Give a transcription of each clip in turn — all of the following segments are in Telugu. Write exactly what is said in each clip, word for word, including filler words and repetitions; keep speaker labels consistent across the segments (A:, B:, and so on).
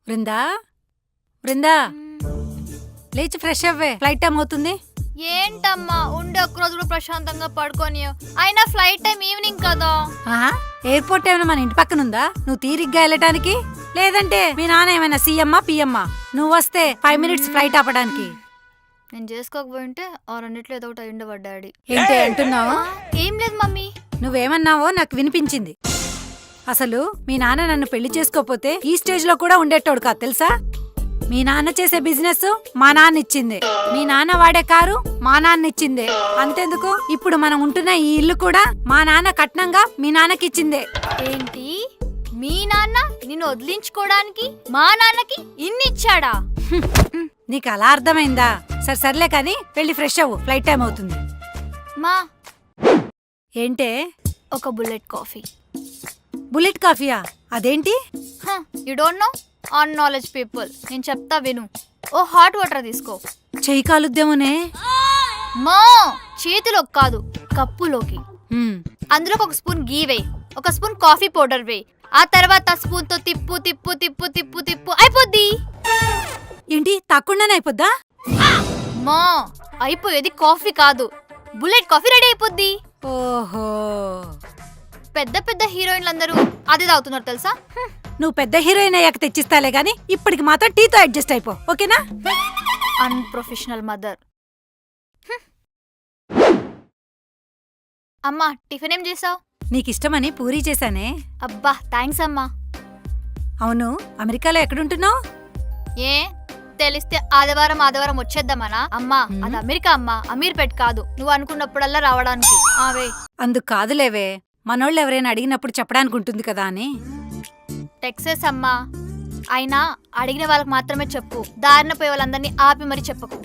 A: బృందా బృందా లేచి ఫ్రెష్ అవ్వే, ఫ్లైట్ టైం అవుతుంది.
B: ఏంటమ్మా ఉండే ఒక్కరోజు కూడా ప్రశాంతంగా పడుకోని, అయినా ఫ్లైట్ టైం ఈవినింగ్ కదా.
A: ఆహా, ఎయిర్పోర్ట్ ఏమైనా మన ఇంటి పక్కన ఉందా నువ్వు తీరిగ్గా వెళ్ళటానికి? లేదంటే మీ నాన్న ఏమైనా సీఎమ్మా పిఎమ్మా నువ్వు వస్తే ఫైవ్ మినిట్స్ ఫ్లైట్ ఆపడానికి?
B: నేను చేసుకోకపోయింటే ఆ రెండిట్లో ఏదో ఒకటి అయ్యుండేవాడు డాడీ.
A: ఏంటి అంటున్నావు?
B: ఏం లేదు మమ్మీ.
A: నువ్వేమన్నావో నాకు వినిపించింది. అసలు మీ నాన్న నన్ను పెళ్లి చేసుకోపోతే ఈ స్టేజ్ లో కూడా ఉండేటోడు కాదు తెలుసా. మీ నాన్న చేసే బిజినెస్ మా నాన్న ఇచ్చిందే, మీ నాన్న వాడే కారు మా నాన్న ఇచ్చిందే. అంతెందుకు, ఇప్పుడు మనం ఉంటున్న ఈ ఇల్లు కూడా మా నాన్న కట్నంగా మీ నాన్నకి ఇచ్చిందే.
B: ఏంటి, మీ నాన్న నిన్ను వదిలించుకోవడానికి మా నాన్నకి ఇన్ని ఇచ్చాడా?
A: నీకు అలా అర్థమైందా? సరే సర్లే కానీ వెళ్ళి ఫ్రెష్ అవ్వు, ఫ్లైట్ టైం అవుతుంది.
B: మా
A: ఏంటే?
B: ఒక బుల్లెట్ కాఫీ.
A: బుల్లెట్ కాఫీయా? అదేంటి?
B: You don't know? On knowledge people. నేను చెప్తా విను. ఓ హాట్ వాటర్ తీసుకో.
A: చెయ్యి కాలుద్దేమోనే.
B: మా చేతిలోకి కాదు, కప్పులోకి. అందులో ఒక స్పూన్ గీ వేయి, ఒక స్పూన్ కాఫీ పౌడర్ వేయి. ఆ తర్వాత స్పూన్ తో తిప్పు తిప్పు తిప్పు తిప్పు తిప్పు అయిపోద్ది.
A: ఏంటి, తాకుండానే అయిపోద్దా?
B: మా అయిపోయేది కాఫీ కాదు, బుల్లెట్ కాఫీ రెడీ అయిపోద్ది.
A: ఓహో,
B: పెద్ద పెద్ద హీరోయిన్లు అందరూ అదే తాగుతున్నారు తెలుసా.
A: నువ్వు పెద్ద హీరోయిన్ అయ్యాక తెచ్చిస్తాలే గాని ఇప్పటికి మాత్రం టీతో అడ్జస్ట్ అయిపో, ఓకేనా?
B: Unprofessional mother. అమ్మా టిఫిన్ ఏం చేసావు?
A: నీకిష్టమని పూరీ చేశానే.
B: అబ్బా థ్యాంక్స్ అమ్మా.
A: అవును, అమెరికాలో ఎక్కడుంటున్నావు?
B: ఏ తెలిస్తే ఆదివారం ఆదివారం వచ్చేద్దామనా? అమ్మా అది అమెరికా అమ్మా, అమీర్పేట్ కాదు. నువ్వు అనుకున్నప్పుడల్లా రావడానికి. ఆవే
A: అందుకు కాదులేవే, మనోళ్ళు ఎవరైనా అడిగినప్పుడు చెప్పడానికి ఉంటుంది కదా అని.
B: టెక్సస్ అమ్మా, అయినా అడిగిన వాళ్ళకి మాత్రమే చెప్పు, దారిన పోయే వాళ్ళందరినీ ఆపి మరి చెప్పకు.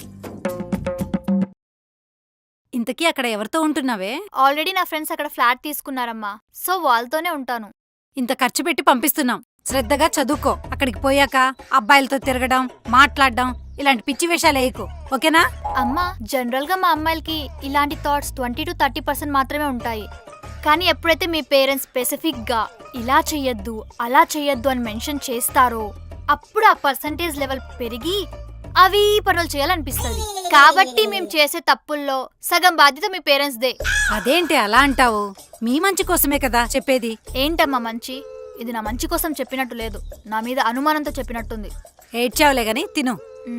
A: ఇంతకీ అక్కడ ఎవరితో ఉంటున్నావే?
B: ఆల్రెడీ నా ఫ్రెండ్స్ అక్కడ ఫ్లాట్ తీసుకున్నారమ్మా, సో వాళ్ళతోనే ఉంటాను.
A: ఇంత ఖర్చు పెట్టి పంపిస్తున్నాం, శ్రద్ధగా చదువుకో. అక్కడికి పోయాక అబ్బాయిలతో తిరగడం, మాట్లాడడం ఇలాంటి పిచ్చి వేషాలు వేయకు, ఓకేనా?
B: అమ్మా జనరల్ గా మా అమ్మాయిలకి ఇలాంటి thoughts twenty two thirty percent మాత్రమే ఉంటాయి. కానీ ఎప్పుడైతే మీ పేరెంట్స్ స్పెసిఫిక్ గా ఇలా చెయ్యొద్దు అలా చెయ్యొద్దు అని మెన్షన్ చేస్తారో అప్పుడు ఆ పర్సంటేజ్ లెవెల్ పెరిగి అవి పనులు చేయాలనిపిస్తుంది. కాబట్టి మేము చేసే తప్పుల్లో సగం బాధ్యత మీ పేరెంట్స్ దే.
A: అదేంటి అలా అంటావు? మీ మంచి కోసమే కదా చెప్పేది.
B: ఏంటమ్మా మంచి? ఇది నా మంచి కోసం చెప్పినట్టు లేదు, నా మీద అనుమానంతో చెప్పినట్టుంది.
A: ఏడ్చావులే గాని తిను.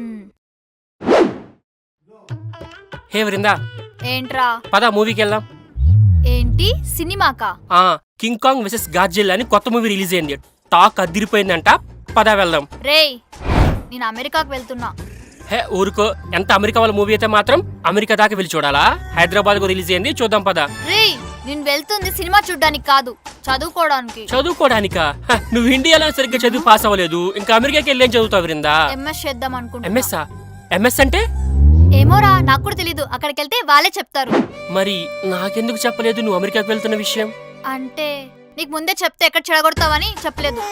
C: హే వృందా,
B: ఏంట్రా?
C: పద మూవీకి వెళ్దాం.
B: ఏంటి సినిమాకా?
C: ఆ కింగ్ కాంగ్ వెసెస్ గాడ్జిల్లా అని కొత్త మూవీ రిలీజ్ అయింది, టాక్ అదిరిపోయిందంట. పద వెళ్దాం.
B: రేయ్ నేను అమెరికాకు వెళ్తున్నా.
C: హే ఊరుకో, ఎంత అమెరికా వాళ్ళ మూవీ అయితే మాత్రం అమెరికా దాకా వెళ్ళి చూడాలా? హైదరాబాద్ కు రిలీజ్ అయింది, చూద్దాం పద.
B: రేయ్ నేను వెళ్తుంది సినిమా చూడ్డానికి కాదు, చదువుకోవడానికి.
C: చదువుకోవడానికా? నువ్వు ఇండియాలో సరిగ్గా చదువు పాస్ అవ్వలేదు, ఇంకా అమెరికాకి వెళ్ళి ఏం చదువుతావు వృందా?
B: ఎంఎస్ చేద్దాం అనుకుంటా.
C: ఎంఎస్ ఎంఎస్ అంటే?
B: ఏమోరా నాకు కూడా తెలీదు, అక్కడికి వెళ్తే వాళ్ళే చెప్తారు.
C: మరి నాకెందుకు చెప్పలేదు నువ్వు అమెరికాకి వెళ్తున్న విషయం?
B: అంటే నీకు ముందే చెప్తే ఎక్కడ చెడగొడతావని చెప్పలేదు.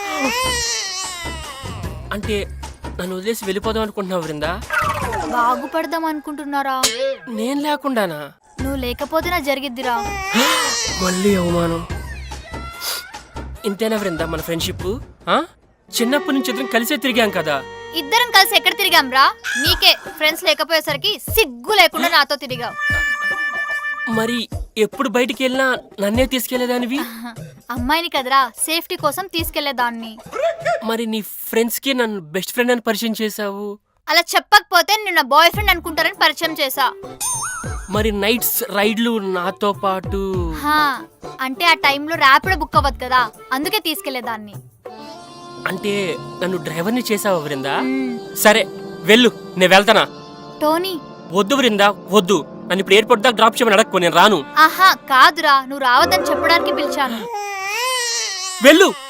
C: అంటే నన్ను వదిలేసి వెళ్ళిపోదాం అనుకుంటున్నావు వృందా?
B: బాగుపడదాం అనుకుంటున్నారా?
C: నేను లేకుండానా?
B: నువ్వు లేకపోతే నా జరిగిద్దిరా.
C: మళ్ళీ అవమానం. ఇంతేనా వృందా మన ఫ్రెండ్షిప్? చిన్నప్పటి నుంచి ఇద్దరం కలిసే తిరిగాం కదా.
B: ఇద్దరం కలిసి ఎక్కడ తిరిగాం రా? నీకే ఫ్రెండ్స్ లేకపోయేసరికి సిగ్గు లేకుండా నాతో తిరిగావు.
C: మరి ఎప్పుడు బయటికి వెళ్ళినా నన్నే తీసుకెళ్లేదానివి?
B: అమ్మాయిని కదరా, సేఫ్టీ కోసం తీసుకెళ్లేదాన్ని.
C: మరి నీ ఫ్రెండ్స్ కి నన్ను బెస్ట్ ఫ్రెండ్ అని పరిచయం చేసావు.
B: అలా చెప్పకపోతే నిన్న బాయ్ ఫ్రెండ్ అనుకుంటారని పరిచయం చేసా.
C: మరి నైట్స్ రైడ్లు నాతో పాటు?
B: అంటే ఆ టైంలో ర్యాపిడో బుక్ అవ్వదు కదా, అందుకే తీసుకెళ్లేదాన్ని.
C: అంటే నన్ను డ్రైవర్ని చేసావు వృందా? సరే వెళ్ళు, నేను వెళ్తానా?
B: టోనీ
C: వద్దు వృందా వద్దు, నన్ను ఇప్పుడు ఎయిర్పోర్ట్ దాకా డ్రాప్ చేయమని అడగకు, నేను రాను.
B: ఆహా కాదురా, నువ్వు రావద్దని చెప్పడానికి పిలిచాను.
C: వెళ్ళు.